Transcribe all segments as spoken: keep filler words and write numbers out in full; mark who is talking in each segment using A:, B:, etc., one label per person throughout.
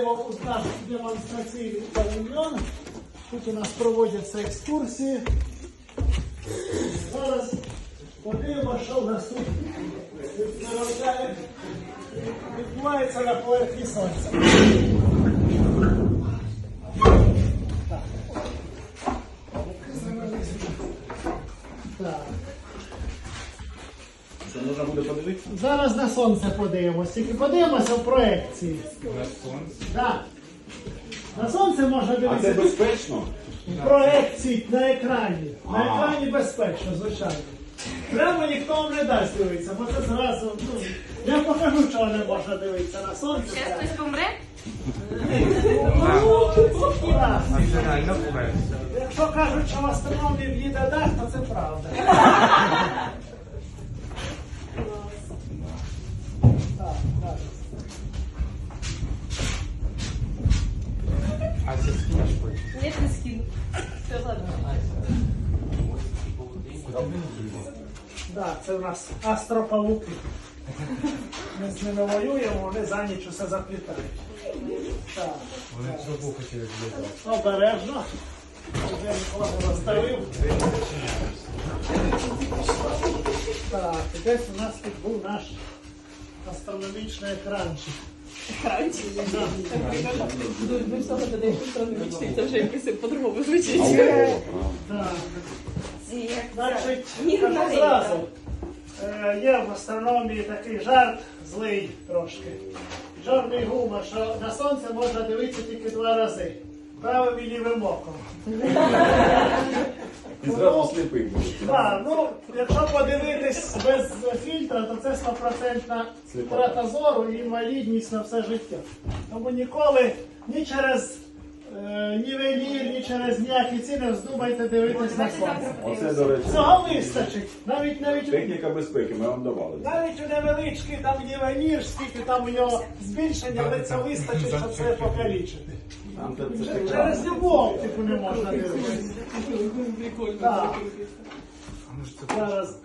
A: Вітаємо у наш демонстраційний павільйон. Тут у нас проводяться екскурсії. Зараз подивимося, що в нас тут відбувається на поверхні сонця. Так.
B: Що, можна буде подивитися?
A: Зараз на сонце подивимося, тільки подивимося в проекції.
B: На сонце?
A: Так. На сонце можна
B: А це
A: дивитися
B: безпечно?
A: в проекції на екрані. На
B: А.
A: екрані безпечно, звичайно. Прямо ніхто вам не дасть дивитися, бо це зразу, ну, я покажу, чого не можна дивитися на сонце.
C: Ще хтось помре?
A: Так.
B: А це реально поверхня.
A: Якщо кажуть, що в астрономії в'їде дах, то це правда. Так, так.
B: А це скинеш потім?
C: Ні, не скину. Все, ладно.
A: Так, це у нас астропавуки. Ми з ними воюємо, вони за ніч усе заплітають. Так,
B: Вони
A: так.
B: трубу хотіли злітати.
A: Обережно. Вже Микола розставив. Так, і десь у нас тут був наш астрономічний екранчик.
C: Екранчик.
A: Да.
C: Ми всього додаємо астрономічний, це вже якось по-другому звучить.
A: Так.
C: Ці,
A: Значить,
C: Ні,
A: кажу
C: Марина.
A: зразу. Е, Є в астрономії такий жарт злий трошки. Чорний гумор, що на сонце можна дивитися тільки два рази. Правим і лівим оком.
B: І зразу сліпий буде.
A: Так, ну, якщо подивитись без фільтра, то це стопроцентна втрата зору і інвалідність на все життя. Тому ніколи ні через е, нівелір, ні через ніякі ці не вздумайте дивитись на сонце.
B: Оце, до речі,
A: Цього вистачить. Навіть навіть
B: техніка безпеки, ми вам давали.
A: навіть у невеличкий там нівелір, скільки там у нього збільшення, але це вистачить, щоб це покалічити.
B: Нам це це таке.
A: Через любов типу не можна дивитися.
C: Прикольно.
A: Так,
B: А може це
A: зараз.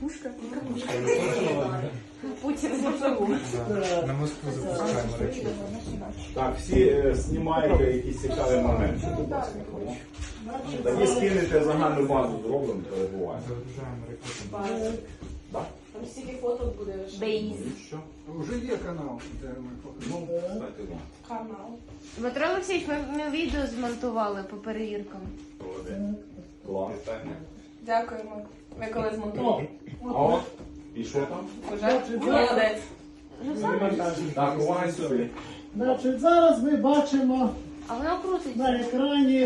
C: Путін зможу.
A: е,
D: На Москву запускаємо ракету.
B: Так, всі е, знімаєте якісь цікаві моменти, будь ласка, хоч. Тоді скинете загальну базу, зробимо, перебуває.
D: Загружаємо ракету.
B: Так?
C: Там стільки фоток буде. Бейз.
B: І що?
E: Уже є канал, де ми покажемо.
B: Ну, кстати, да.
C: Канал.
F: Дмитро Олексійович, ми, ми відео змонтували по перевіркам.
B: Клас.
C: Дякуємо. Ви коли
A: О,
C: змонтували?
B: А от, і що там?
C: Уже? Молодець.
B: Так, увага сюди.
A: значить, зараз ми бачимо
F: А воно крутиться.
A: на екрані.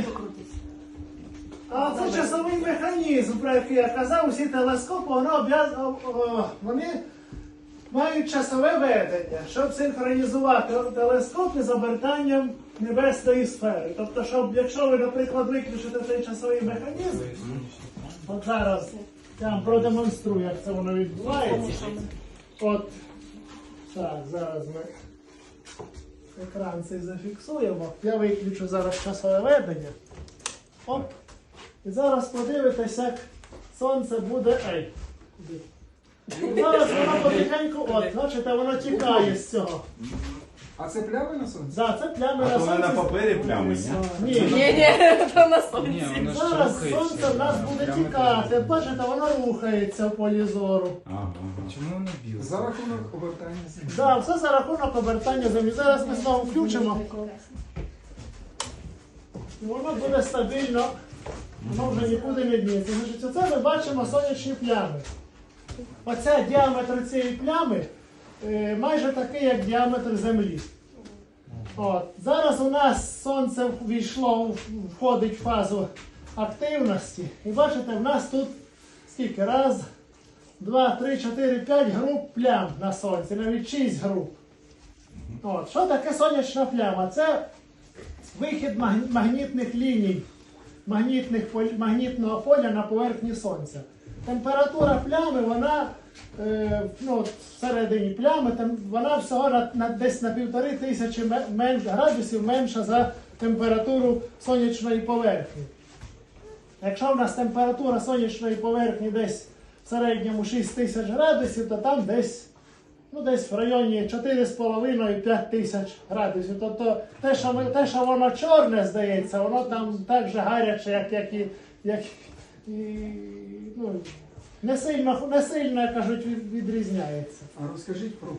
A: А це часовий механізм, про який я казав, усі телескопи, воно обв'яз- о- о, вони мають часове ведення, щоб синхронізувати телескопи з обертанням небесної сфери. Тобто, щоб, якщо ви, наприклад, виключите цей часовий механізм, от зараз я вам продемонструю, як це воно відбувається. От, так, зараз ми екран цей зафіксуємо. Я виключу зараз часове ведення. Оп. І зараз подивитесь, як сонце буде. Ей. куди? І зараз воно потихеньку, от, бачите, воно тікає з цього.
E: А це плями на сонці?
A: Да, це плями
B: А
A: на
B: то вони
A: сонці.
B: на папері плями, ні?
A: Ні.
C: Ні, ні, то на сонці.
D: Ні, воно ж
A: Зараз
D: рухається.
A: сонце в нас буде
D: Прямо
A: тікати.
D: так.
A: Бачите, воно рухається в полі зору.
B: Ага, ага.
D: Чому воно біле?
E: За рахунок обертання землі.
A: Да, все за рахунок обертання землі. Зараз ми знову включимо. І воно буде стабільно, воно вже нікуди не дніється. Значить, оце ми бачимо сонячні плями. Оце діаметр цієї плями е, майже такий, як діаметр Землі. От. Зараз у нас сонце ввійшло, входить в фазу активності. І бачите, в нас тут скільки? Раз, два, три, чотири, п'ять груп плям на сонці, навіть шість груп. От. Що таке сонячна пляма? Це вихід маг- магнітних ліній, магнітних, поль- магнітного поля на поверхні сонця. Температура плями, вона е, ну, от всередині плями, там, вона всього на, на, десь на півтори тисячі ме- менш, градусів менша за температуру сонячної поверхні. Якщо в нас температура сонячної поверхні десь в середньому шість тисяч градусів, то там десь ну, десь в районі чотири з половиною - п'ять тисяч градусів. Тобто те, що, ми, те, що воно чорне, здається, воно там так же гаряче, як, як і. Як, і ну, не сильно, не сильно, як кажуть, від- відрізняється.
E: А розкажіть про